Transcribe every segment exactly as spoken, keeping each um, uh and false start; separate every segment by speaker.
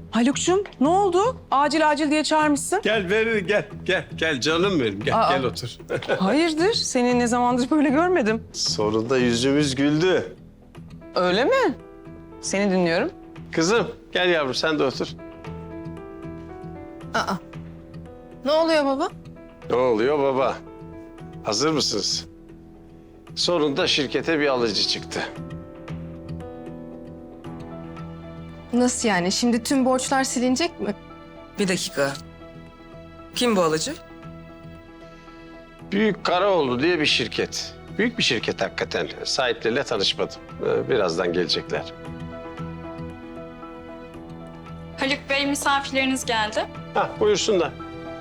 Speaker 1: Haluk'cum ne oldu? Acil acil diye çağırmışsın.
Speaker 2: Gel Berrin gel. Gel gel canım benim. Gel
Speaker 1: Aa.
Speaker 2: gel otur.
Speaker 1: Hayırdır? Seni ne zamandır böyle görmedim.
Speaker 2: Sonunda yüzümüz güldü.
Speaker 1: Öyle mi? Seni dinliyorum.
Speaker 2: Kızım gel yavrum sen de otur.
Speaker 3: Aa. Ne oluyor baba?
Speaker 2: Ne oluyor baba? Hazır mısınız? Sonunda şirkete bir alıcı çıktı.
Speaker 3: Nasıl yani? Şimdi tüm borçlar silinecek mi?
Speaker 1: Bir dakika. Kim bu alıcı?
Speaker 2: Büyük Karaoğlu diye bir şirket. Büyük bir şirket hakikaten. Sahipleriyle tanışmadım. Ee, Birazdan gelecekler.
Speaker 4: Haluk Bey, misafirleriniz geldi.
Speaker 2: Hah buyursunlar.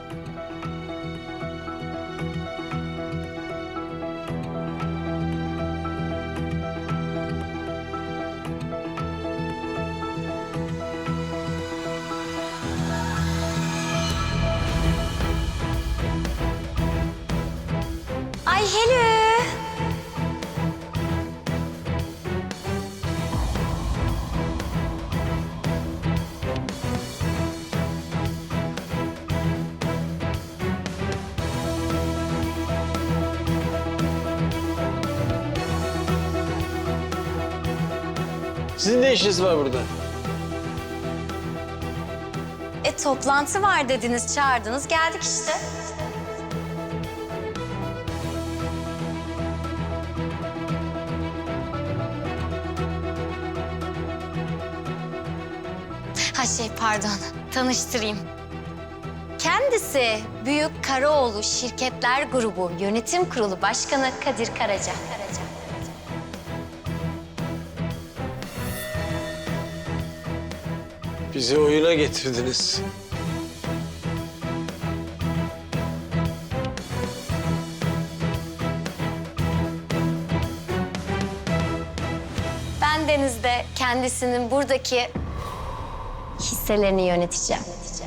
Speaker 5: Ay hello.
Speaker 2: Sizin ne işiniz var burada?
Speaker 5: E toplantı var dediniz, çağırdınız, geldik işte. Ha şey pardon, tanıştırayım. Kendisi Büyük Karaoğlu Şirketler Grubu Yönetim Kurulu Başkanı Kadir Karaca. Karaca.
Speaker 2: Bizi oyuna getirdiniz.
Speaker 5: Ben Deniz'de kendisinin buradaki hisselerini yöneteceğim.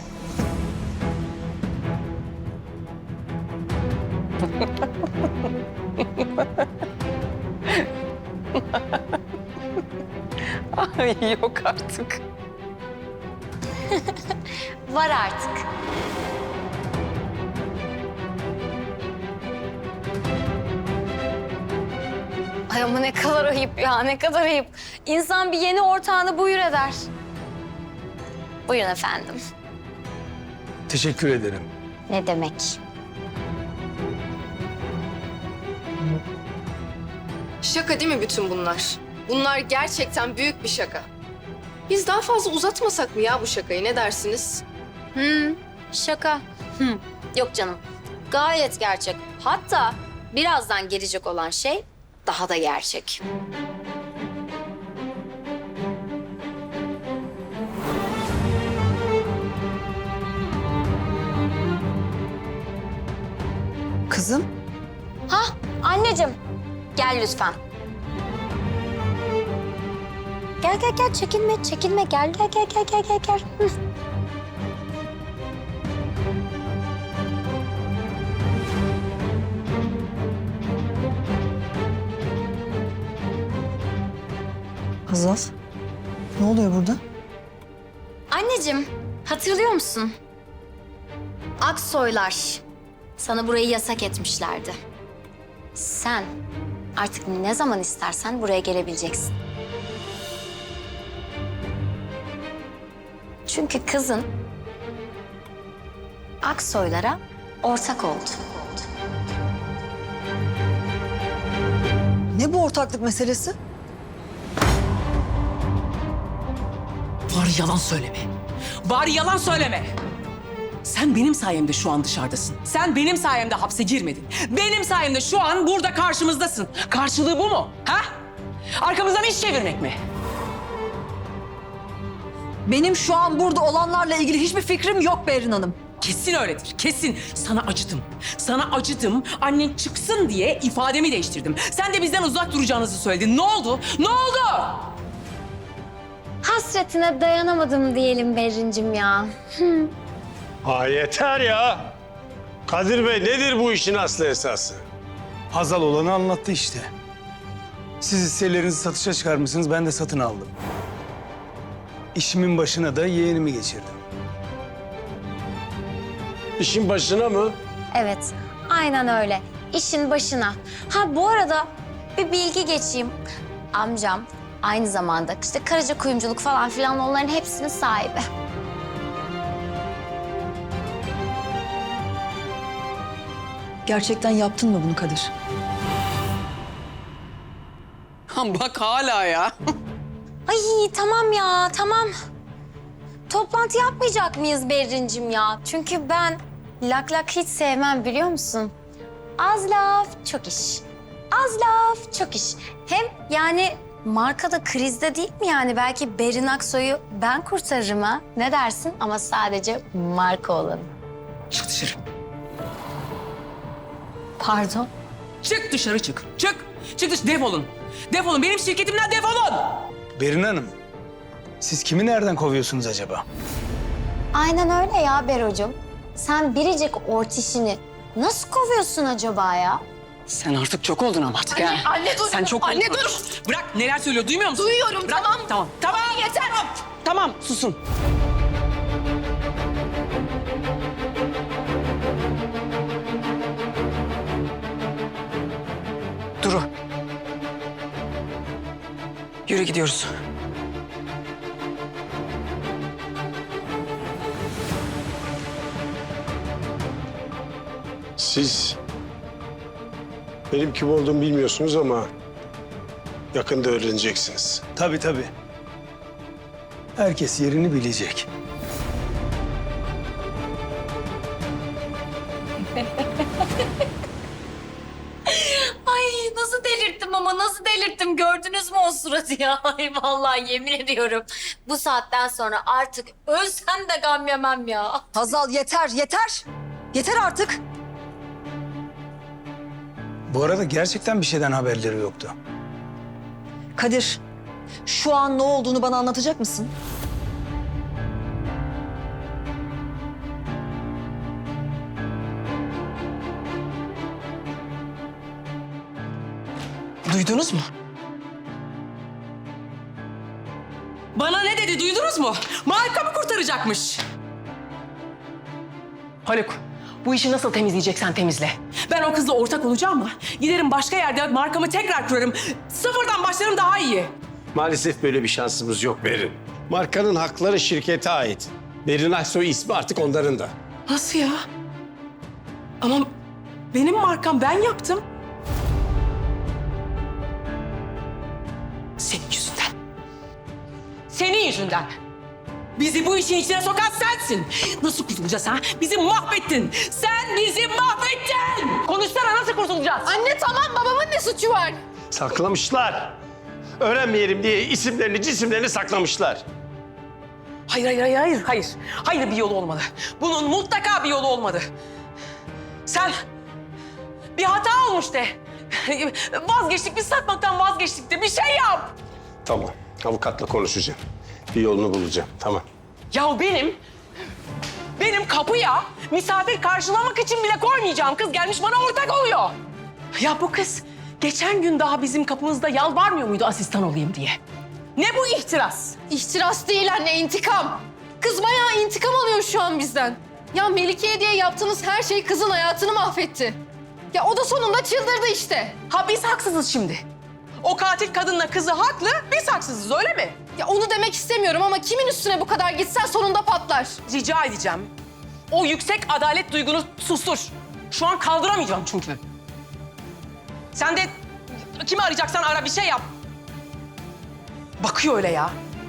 Speaker 1: Ay yok artık.
Speaker 5: Var artık. Ay ama ne kadar ayıp ya, ne kadar ayıp. İnsan bir yeni ortağını buyur eder. Buyurun efendim.
Speaker 6: Teşekkür ederim.
Speaker 5: Ne demek?
Speaker 3: Şaka değil mi bütün bunlar? Bunlar gerçekten büyük bir şaka. Biz daha fazla uzatmasak mı ya bu şakayı? Ne dersiniz?
Speaker 5: Hmm, şaka. Hmm. Yok canım, gayet gerçek. Hatta birazdan gelecek olan şey daha da gerçek.
Speaker 1: Kızım.
Speaker 5: Ha, anneciğim, gel lütfen. Gel gel gel, çekinme çekinme, gel gel gel gel gel gel gel. Hı.
Speaker 7: Hazal, ne oluyor burada?
Speaker 5: Anneciğim, hatırlıyor musun? Aksoylar sana burayı yasak etmişlerdi. Sen artık ne zaman istersen buraya gelebileceksin. Çünkü kızın Aksoylara ortak oldu.
Speaker 7: Ne bu ortaklık meselesi?
Speaker 8: Bari yalan söyleme. Bari yalan söyleme. Sen benim sayemde şu an dışarıdasın. Sen benim sayemde hapse girmedin. Benim sayemde şu an burada karşımızdasın. Karşılığı bu mu? Ha? Arkamızdan iş çevirmek mi?
Speaker 7: Benim şu an burada olanlarla ilgili hiçbir fikrim yok Berrin Hanım.
Speaker 8: Kesin öyledir, kesin. Sana acıdım. Sana acıdım. Annen çıksın diye ifademi değiştirdim. Sen de bizden uzak duracağınızı söyledin. Ne oldu? Ne oldu?
Speaker 5: Hasretine dayanamadım diyelim Berrincim ya.
Speaker 2: Ha yeter ya. Kadir Bey nedir bu işin aslı esası?
Speaker 6: Hazal olanı anlattı işte. Siz hisselerinizi satışa çıkarmışsınız, ben de satın aldım. işimin başına da yeğenimi geçirdim.
Speaker 2: İşin başına mı?
Speaker 5: Evet, aynen öyle. İşin başına. Ha bu arada bir bilgi geçeyim. Amcam aynı zamanda işte Karaca kuyumculuk falan filan onların hepsinin sahibi.
Speaker 7: Gerçekten yaptın mı bunu Kadir?
Speaker 1: Bak hala ya.
Speaker 5: Ay tamam ya, tamam. Toplantı yapmayacak mıyız Berrin'cim ya? Çünkü ben lak lak hiç sevmem biliyor musun? Az laf, çok iş. Az laf, çok iş. Hem yani markada krizde değil mi yani? Belki Berrin Aksoy'u ben kurtarırım ha. Ne dersin? Ama sadece marka olanı.
Speaker 8: Çık dışarı.
Speaker 5: Pardon.
Speaker 8: Çık dışarı çık. Çık. Çık dışarı. Defolun. Defolun. Benim şirketimden defolun.
Speaker 6: Berin Hanım, siz kimi nereden kovuyorsunuz acaba?
Speaker 5: Aynen öyle ya Bero'cum. Sen biricik ortişini nasıl kovuyorsun acaba ya?
Speaker 8: Sen artık çok oldun ama artık ha.
Speaker 3: Anne dur.
Speaker 8: Sen çok
Speaker 3: Anne
Speaker 8: oldun.
Speaker 3: dur.
Speaker 8: Bırak neler söylüyor duymuyor musun?
Speaker 3: Duyuyorum,
Speaker 8: Bırak.
Speaker 3: tamam.
Speaker 8: Tamam. Tamam.
Speaker 3: Yeter.
Speaker 8: Tamam. Tamam susun. Duru. Yürü gidiyoruz.
Speaker 2: Siz benim kim olduğumu bilmiyorsunuz ama yakında öğreneceksiniz.
Speaker 6: Tabii tabii. Herkes yerini bilecek.
Speaker 5: Ay nasıl delirttim ama nasıl delirttim gördünüz mü o suratı ya? Ay vallahi yemin ediyorum bu saatten sonra artık ölsem de gam yemem ya.
Speaker 7: Hazal yeter, yeter. Yeter artık.
Speaker 6: Bu arada gerçekten bir şeyden haberleri yoktu.
Speaker 7: Kadir, şu an ne olduğunu bana anlatacak mısın?
Speaker 8: Duydunuz mu? Bana ne dedi duydunuz mu? Marka mı kurtaracakmış? Haluk, bu işi nasıl temizleyeceksen temizle. Ben o kızla ortak olacağım mı? Giderim başka yerde markamı tekrar kurarım. Sıfırdan başlarım daha iyi.
Speaker 2: Maalesef böyle bir şansımız yok Berin. Markanın hakları şirkete ait. Berin Aksoy ismi artık onların da.
Speaker 8: Nasıl ya? Ama benim markam ben yaptım. Senin yüzünden. Senin yüzünden. Bizi bu işin içine sokan sensin. Nasıl kurtulacağız ha? Bizi mahvettin. Sen bizi mahvettin. Konuşsana nasıl kurtulacağız?
Speaker 3: Anne tamam, babamın ne suçu var?
Speaker 2: Saklamışlar. Öğrenmeyelim diye isimlerini, cisimlerini saklamışlar.
Speaker 8: Hayır, hayır, hayır, hayır, hayır. Hayır bir yolu olmalı. Bunun mutlaka bir yolu olmalı. Sen bir hata olmuş de. Vazgeçtik, biz satmaktan vazgeçtik de bir şey yap.
Speaker 2: Tamam, avukatla konuşacağım. Bir yolunu bulacağım, tamam.
Speaker 8: Ya benim, benim kapıya misafir karşılamak için bile koymayacağım kız gelmiş bana ortak oluyor. Ya bu kız geçen gün daha bizim kapımızda yalvarmıyor muydu asistan olayım diye? Ne bu ihtiras?
Speaker 3: İhtiras değil anne, intikam. Kız bayağı intikam alıyor şu an bizden. Ya Melike'ye diye yaptığınız her şey kızın hayatını mahvetti. Ya o da sonunda çıldırdı işte.
Speaker 8: Ha biz haksızız şimdi. O katil kadınla kızı haklı, biz haksızız öyle mi?
Speaker 3: Ya onu demek istemiyorum ama kimin üstüne bu kadar gitsen sonunda patlar.
Speaker 8: Rica edeceğim. O yüksek adalet duygunu sustur. Şu an kaldıramayacağım çünkü. Sen de kimi arayacaksan ara bir şey yap. Bakıyor öyle ya.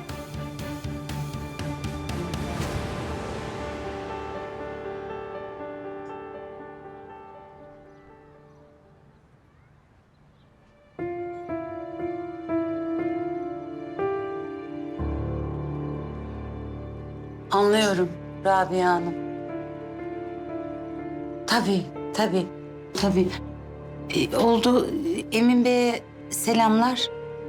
Speaker 9: Anlıyorum Rabia Hanım. Tabii, tabii, tabii. Ee, oldu. Emin Bey'e selamlar.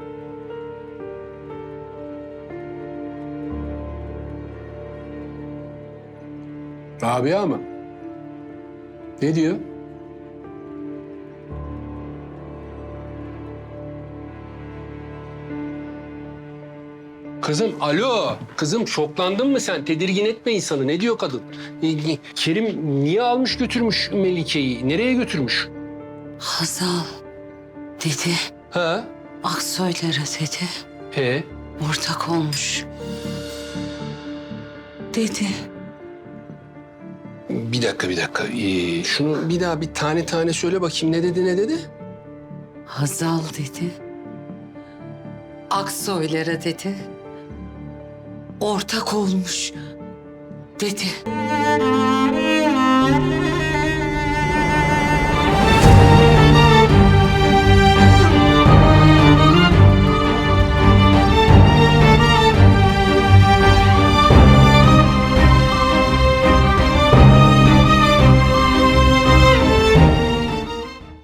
Speaker 10: Rabia mı? Ne diyor? Kızım alo. Kızım şoklandın mı sen? Tedirgin etme insanı. Ne diyor kadın? E, e, Kerim niye almış götürmüş Melike'yi? Nereye götürmüş?
Speaker 9: Hazal dedi.
Speaker 10: Ha?
Speaker 9: Aksoylara dedi.
Speaker 10: He?
Speaker 9: Ortak olmuş. Dedi.
Speaker 10: Bir dakika bir dakika. Ee, şunu bir daha bir tane tane söyle bakayım. Ne dedi ne dedi?
Speaker 9: Hazal dedi. Aksoylara dedi. Ortak olmuş dedi.